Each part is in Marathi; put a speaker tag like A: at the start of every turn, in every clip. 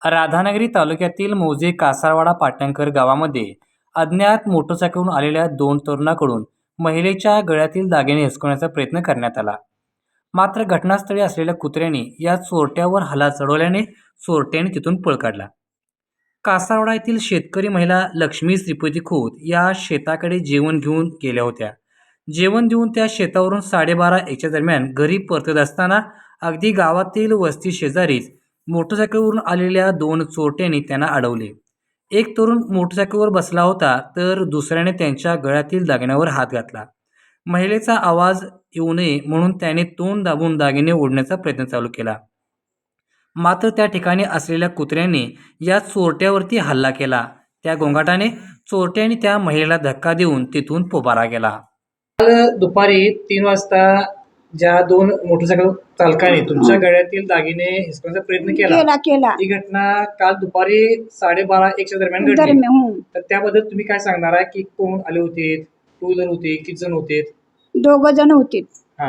A: राधानगरी तालुक्यातील मौजे कासारवाडा पाटणकर गावामध्ये अज्ञात मोटरसायकलवरून आलेल्या दोन तरुणाकडून महिलेच्या गळ्यातील दागिने हिसकण्याचा प्रयत्न करण्यात आला. मात्र घटनास्थळी असलेल्या कुत्र्याने या चोरट्यावर हल्ला चढवल्याने चोरट्याने तिथून पळ काढला. कासारवाडा येथील शेतकरी महिला लक्ष्मी श्रीपती खोत या शेताकडे जेवण घेऊन गेल्या होत्या. जेवण देऊन त्या शेतावरून 12:30-1च्या दरम्यान घरी परतत असताना अगदी गावातील वस्ती शेजारीच मोटरसायकलवरून आलेल्या दोन चोरट्यांनी त्यांना अडवले. एक तरुण मोटरसायकलवर बसला होता तर दुसऱ्याने त्यांच्या गळ्यातील दागिन्यावर हात घातला. महिलेचा आवाज येऊ नये म्हणून त्याने तोंड दाबून दागिने ओढण्याचा प्रयत्न चालू केला. मात्र त्या ठिकाणी असलेल्या कुत्र्याने या चोरट्यावरती हल्ला केला. त्या गोंगाटाने चोरट्याने त्या महिलेला धक्का देऊन तिथून पोबारा केला.
B: काल दुपारी 3 वाजता ज्या दोन मोटरसायकल चालकाने तुमच्या गळ्यातील दागिने हिसकण्याचा प्रयत्न केला ही घटना काल दुपारी 12:30-1च्या दरम्यान घडली. तर त्याबद्दल तुम्ही काय सांगणार आहे की कोण आले होते, टू व्हीलर होते, किती जण होते?
C: 2 जण होते.
B: हा,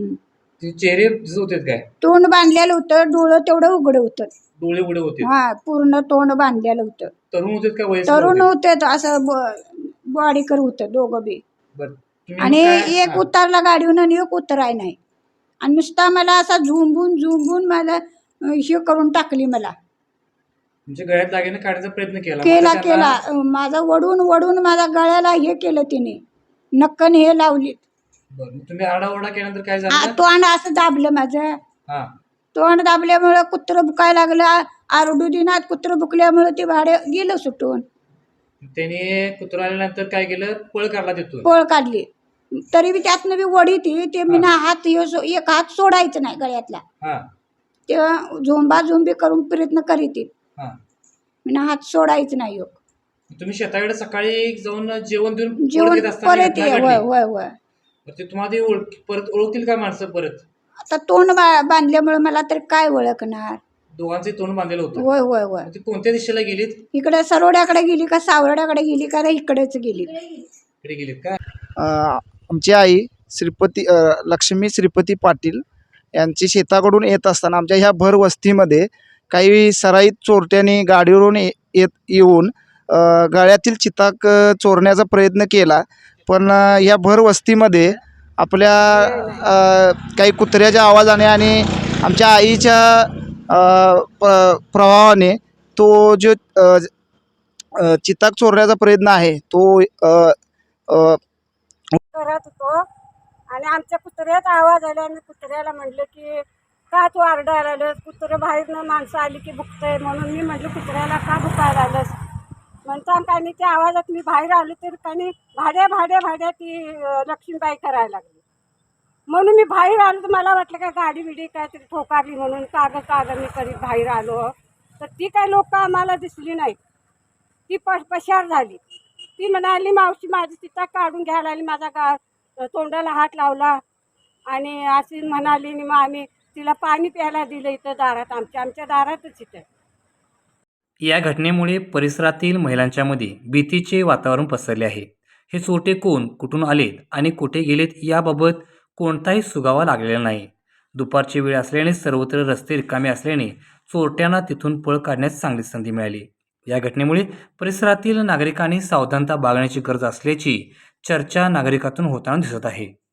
B: चेहरे दिसत होते काय?
C: तोंड बांधलेलं होतं, डोळं तेवढं उघडं होतं.
B: डोळे उघडे होते?
C: हा, पूर्ण तोंड बांधलेलं होतं.
B: तरुण होते का वयस्कर?
C: तरुण होते, असं बॉडीकर होतं दोघं बी. आणि एक उतरला गाडीहून आणि एक उतराय नाही. आणि नुसता मला असा झुंबून मला हे करून टाकली. मला
B: म्हणजे गळ्यात दागिने काढण्याचा प्रयत्न केला.
C: माझा वडून माझ्या गळ्याला हे केलं तिने, नक्कन हे लावली.
B: तुम्ही आरडाओरडा केल्यानंतर काय झालं?
C: तोंड असं दाबलं माझं. तोंड दाबल्यामुळं कुत्रं बुकायला लागलं. आरडू दिनात कुत्रं बुकल्यामुळं ते भाडे गेलं सुटून.
B: त्याने कुत्रा आल्यानंतर काय केलं? पळ काढला तिथून.
C: पळ काढली. तरी बी त्यातनं बी वडी ते मी ना हात एक हात सोडायचं नाही गळ्यातला. ते झोंबी करून प्रयत्न करीत मी ना हात सोडायचं नाही.
B: तुम्ही शेताकडे सकाळी जाऊन जेवण देऊन
C: परत होय
B: ते तुम्हाला परत ओळखतील का माणसं? परत
C: आता तोंड बांधल्यामुळे मला तर काय ओळखणार?
B: दोघांचे तोंड बांधलेलं होतं.
C: होय.
B: ते कोणत्या दिशेला गेलीत?
C: इकडे सरोड्याकडे गेली का सावरड्याकडे गेली का इकडेच गेली?
B: इकडे गेलीत का?
D: आमची आई लक्ष्मी श्रीपती पाटील यांची शेताकडून येत असताना आमच्या ह्या भर वस्तीमध्ये काही सराईत चोरट्यांनी गाडीवरून येऊन गळ्यातील चिताक चोरण्याचा प्रयत्न केला. पण या भर वस्तीमध्ये आपल्या काही कुत्र्याच्या आवाजाने आणि आमच्या आईच्या प्रभावाने तो जो चिताक चोरण्याचा प्रयत्न आहे तो
E: करत होतो. आणि आमच्या कुत्र्याचा आवाज आला आणि कुत्र्याला म्हटलं की का तू आरडायला आलंस? कुत्रं बाहेरनं माणसं आली की भुकतंय म्हणून मी म्हटलं कुत्र्याला का भुकायला आलंस म्हणता आणि त्या आवाजात मी बाहेर आलो तर काही भाड्या ती लक्ष्मीबाई करायला लागली. म्हणून मी बाहेर आलो तर मला वाटलं का गाडी बिडी काहीतरी ठोकारली म्हणून काग मी करीत बाहेर आलो. तर ती काही लोक आम्हाला दिसली नाही. ती पशार झाली. ती म्हणाली मावशी माझी चिता काढून घ्यायला आली. माझा तोंडाला हात लावला आणि अशी म्हणाली. मग आम्ही तिला पाणी प्यायला दिलं इथं दारात, आमच्या दारातच इथं.
A: या घटनेमुळे परिसरातील महिलांच्यामध्ये भीतीचे वातावरण पसरले आहे. हे चोरटे कोण, कुठून आलेत आणि कुठे गेलेत याबाबत कोणताही सुगावा लागलेला नाही. दुपारची वेळ असल्याने सर्वत्र रस्ते रिकामे असल्याने चोरट्यांना तिथून पळ काढण्यास चांगली संधी मिळाली. या घटनेमुळे परिसरातील नागरिकांनी सावधानता बाळगण्याची गरज असल्याची चर्चा नागरिकातून होताना दिसत आहे.